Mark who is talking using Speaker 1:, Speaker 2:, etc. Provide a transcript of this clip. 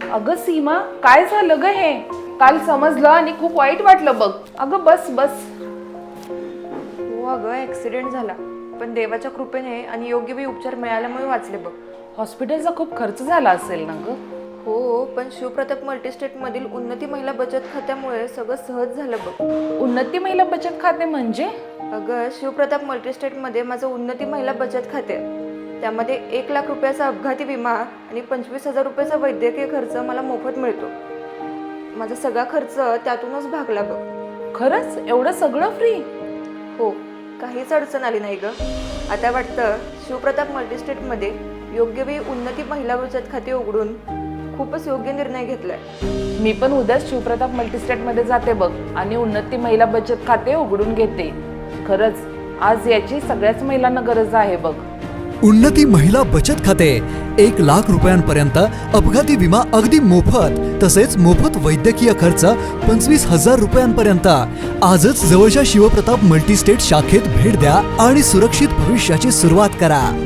Speaker 1: अगं सीमा, काय झालं ग हे? काल समजलं आणि खूप वाईट वाटलं बघ. अगं बस बस.
Speaker 2: हो अगं, ॲक्सिडेंट झाला, पण देवाच्या कृपेने आणि योग्य वेळी उपचार मिळाल्यामुळे वाचले बघ.
Speaker 1: हॉस्पिटलचा खूप खर्च झाला असेल ना ग?
Speaker 2: हो, पण शिवप्रताप मल्टीस्टेटमधील उन्नती महिला बचत खात्यामुळे सगळं सहज झालं बघ.
Speaker 1: उन्नती महिला बचत खाते म्हणजे?
Speaker 2: अगं, शिवप्रताप मल्टीस्टेटमध्ये माझं उन्नती महिला बचत खाते आहे. त्यामध्ये 1,00,000 रुपयाचा अपघाती विमा आणि 25,000 रुपयाचा वैद्यकीय खर्च मला मोफत मिळतो. माझा सगळा खर्च त्यातूनच भागला बघ.
Speaker 1: खरंच एवढं सगळं फ्री?
Speaker 2: हो, काहीच अडचण आली नाही ग. आता वाटतं शिवप्रताप मल्टीस्टेटमध्ये योग्य वेळी उन्नती महिला बचत खाते उघडून खूपच योग्य निर्णय घेतलाय.
Speaker 1: मी पण उद्याच शिवप्रताप मल्टीस्टेटमध्ये जाते बघ आणि उन्नती महिला बचत खाते उघडून घेते. खरंच आज याची सगळ्याच महिलांना गरज आहे बघ.
Speaker 3: उन्नती महिला बचत खाते 1,00,000 रुपयांपर्यंत अपघाती विमा अगदी मोफत, तसेच मोफत वैद्यकीय खर्च 25,000 रुपयांपर्यंत. आजच जवळच्या शिवप्रताप मल्टीस्टेट शाखेत भेट द्या आणि सुरक्षित भविष्याची सुरुवात करा.